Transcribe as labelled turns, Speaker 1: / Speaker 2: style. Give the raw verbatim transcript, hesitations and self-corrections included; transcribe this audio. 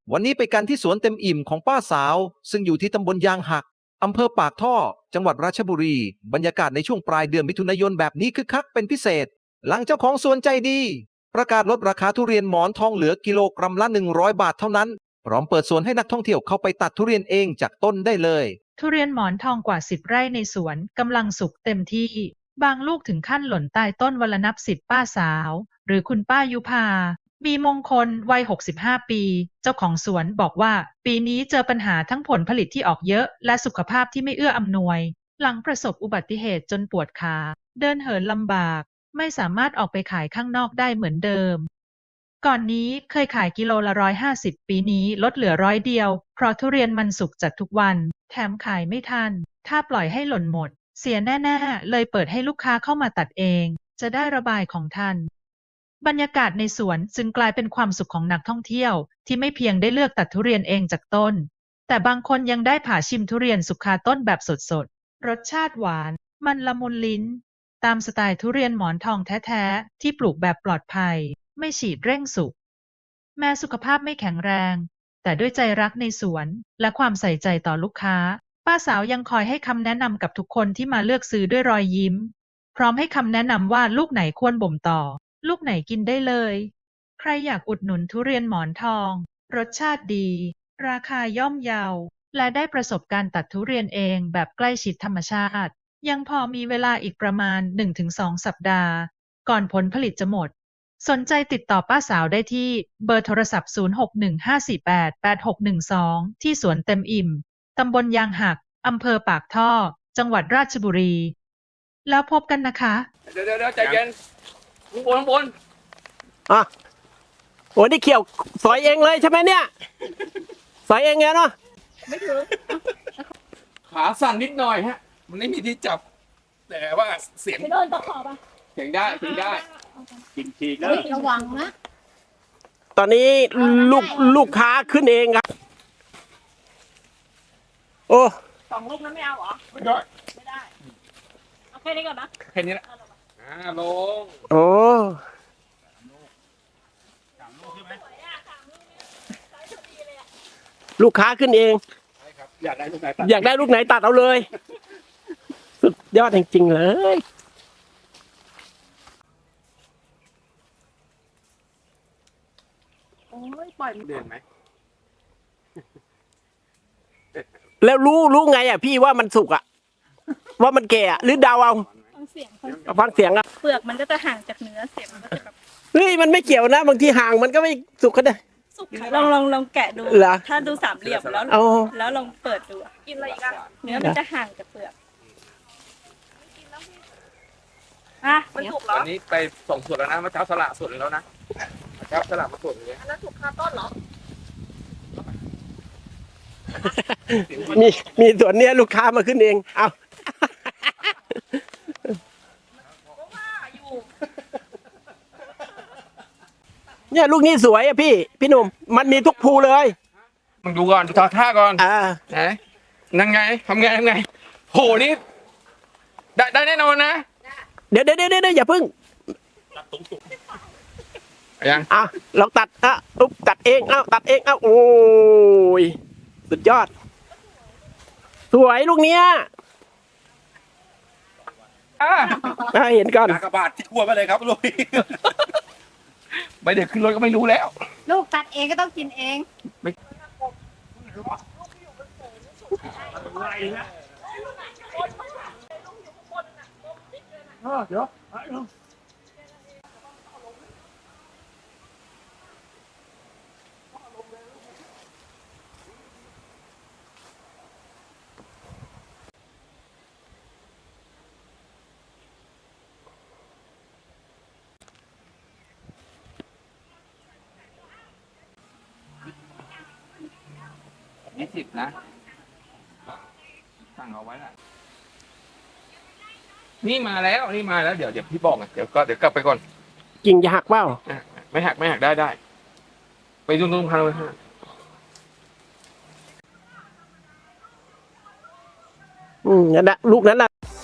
Speaker 1: วันนี้ไปกันที่สวนเต็มอิ่มของป้าสาวซึ่งอยู่ที่ตำบลยางหักอำเภอปากท่อจังหวัดราชบุรีบรรยากาศในช่วงปลายเดือนมิถุนายนแบบนี้คึกคักเป็นพิเศษหลังเจ้าของสวนใจดีประกาศลดราคาทุเรียนหมอนทองเหลือกิโลกรัมละหนึ่งร้อยบาทเท่านั้นพร้อมเปิดสวนให้นักท่องเที่ยวเข้าไปตัดทุเรียนเองจากต้นได้เลย
Speaker 2: ทุเรียนหมอนทองกว่าสิบไร่ในสวนกำลังสุกเต็มที่บางลูกถึงขั้นหล่นใต้ต้นวันละนับสิบป้าสาวหรือคุณป้ายุพามีมงคลวัยหกสิบห้าปีเจ้าของสวนบอกว่าปีนี้เจอปัญหาทั้งผลผลิตที่ออกเยอะและสุขภาพที่ไม่เอื้ออำนวยหลังประสบอุบัติเหตุจนปวดขาเดินเหินลำบากไม่สามารถออกไปขายข้างนอกได้เหมือนเดิมก่อนนี้เคยขายกิโลละร้อยห้าสิบปีนี้ลดเหลือร้อยเดียวเพราะทุเรียนมันสุกจัดทุกวันแถมขายไม่ทันถ้าปล่อยให้หล่นหมดเสียแน่ๆเลยเปิดให้ลูกค้าเข้ามาตัดเองจะได้ระบายของทันบรรยากาศในสวนจึงกลายเป็นความสุขของนักท่องเที่ยวที่ไม่เพียงได้เลือกตัดทุเรียนเองจากต้นแต่บางคนยังได้ผ่าชิมทุเรียนสุกคาต้นแบบสดๆรสชาติหวานมันละมุนลิ้นตามสไตล์ทุเรียนหมอนทองแท้ๆที่ปลูกแบบปลอดภัยไม่ฉีดเร่งสุกแม้สุขภาพไม่แข็งแรงแต่ด้วยใจรักในสวนและความใส่ใจต่อลูกค้าป้าสาวยังคอยให้คำแนะนำกับทุกคนที่มาเลือกซื้อด้วยรอยยิ้มพร้อมให้คำแนะนำว่าลูกไหนควรบ่มต่อลูกไหนกินได้เลยใครอยากอุดหนุนทุเรียนหมอนทองรสชาติดีราคาย่อมเยาและได้ประสบการณ์ตัดทุเรียนเองแบบใกล้ชิดธรรมชาติยังพอมีเวลาอีกประมาณ หนึ่งถึงสอง สัปดาห์ก่อนผลผลิตจะหมดสนใจติดต่อป้าสาวได้ที่เบอร์โทรศัพท์ ศูนย์ หก หนึ่ง ห้า สี่ แปด แปด หก หนึ่ง สอง ที่สวนเต็มอิ่มตำบลยางหักอำเภอปากท่อจังหวัดราชบุรีแล้วพบกันนะคะ
Speaker 3: เดี๋ยวเดี๋ยวใจเย็นข้างบนข้างบน
Speaker 4: อ่ะโอ้นี่เขี่ยวสอยเองเลยใช่ไหมเนี่ยสอยเองไงเนาะ
Speaker 3: ไม่ถึงขาสั่นนิดหน่อยฮะมันไม่มีที่จับแต่ว่าเสียง
Speaker 5: โดนตะขอบอ่ะ
Speaker 3: เสียงได้เสียงได้กินทีก็
Speaker 5: ระวังนะ
Speaker 4: ตอนนี้ลูกลูกค้าขึ้นเองครับโอ้
Speaker 5: สองลูกนั้นไม่เอาเหรอ
Speaker 3: ไม่ได้
Speaker 5: ไม่ได้เอาแค่นี้ก่อนนะ
Speaker 3: แค่นี้แหละอ่าลง
Speaker 4: โอ้ลูกค้าขึ้นเอง
Speaker 3: อยากได้ลูกไหนตัด
Speaker 4: อยากได้ลูกไหนตัดเอาเลยสุดยอดจริงๆเลย
Speaker 5: โอ้ยปล่อย
Speaker 3: เดินไหม
Speaker 4: แล้วรู้รู้ไงอ่ะพี่ว่ามันสุกอ่ะว่ามันแก่หรือเดาเอา
Speaker 5: ฟังเสียง
Speaker 4: ฟังเสียงอ่ะ
Speaker 5: เปลือกมันก็จะห่างจากเนื้อเสียงมันก็จะแบบ
Speaker 4: เฮ้ยมันไม่เกี่ยวนะบางทีห่างมันก็ไม่สุกก็ได้
Speaker 5: สุกลองลองลองแกะดูถ้าดูสามเหลี่ยมแล้วแล้วลองเปิดดูกินอะไรอีกอ่ะเนื้อมันจะห่างจากเปลือกอ่ะมันถูกเหรอ
Speaker 3: วันนี้ไปส่งสดแล้วนะเมื่อเช้าสละสดแล้วนะเช้าสละมาสดเลย
Speaker 5: อันนั้นถูกคาต้นเหรอ
Speaker 4: มีมีส่วนเนี้ยลูกค้ามาขึ้นเองเอาเนี่ยลูกนี้สวยอ่ะพี่พี่หนุ่มมันมีทุกภูเลย
Speaker 3: มึงดูก่อนดูท่าท่าก่อน
Speaker 4: อ่า
Speaker 3: ไหนนั่งไงทำไงทำไงโหนี่ได้ได้แน่นอนนะ
Speaker 4: เดี๋ยวเดี๋ยวเดี๋ยวอย่าพึ่ง
Speaker 3: ยัง
Speaker 4: อ่ะเราตัดอ่ะอุ๊บตัดเองเอ้าตัดเองเอ้าโอ้ยสุดยอดสวยลูกเนี้ย
Speaker 3: อ่
Speaker 4: าเห็นก่อน
Speaker 3: กระบาดที่ทั่วไปเลยครับลูกไม่เด็กขึ้นรถก็ไม่รู้แล้ว
Speaker 5: ลูกตัดเองก็ต้องกินเองไม่
Speaker 3: เดี๋ยวยี่สิบนะสั่งเอาไว้ละนี่มาแล้วนี่มาแล้วเดี๋ยวเดี๋ยวพี่บอกนะเดี๋ยวก็เดี๋ยวกลับไปก่อน
Speaker 4: กิ่งจะหักเปล่า
Speaker 3: ไม่หักไม่หักได้ได้ไปดูตรงพันเลยฮะ
Speaker 4: อืมนั่นแหละลูกนั้นแหละ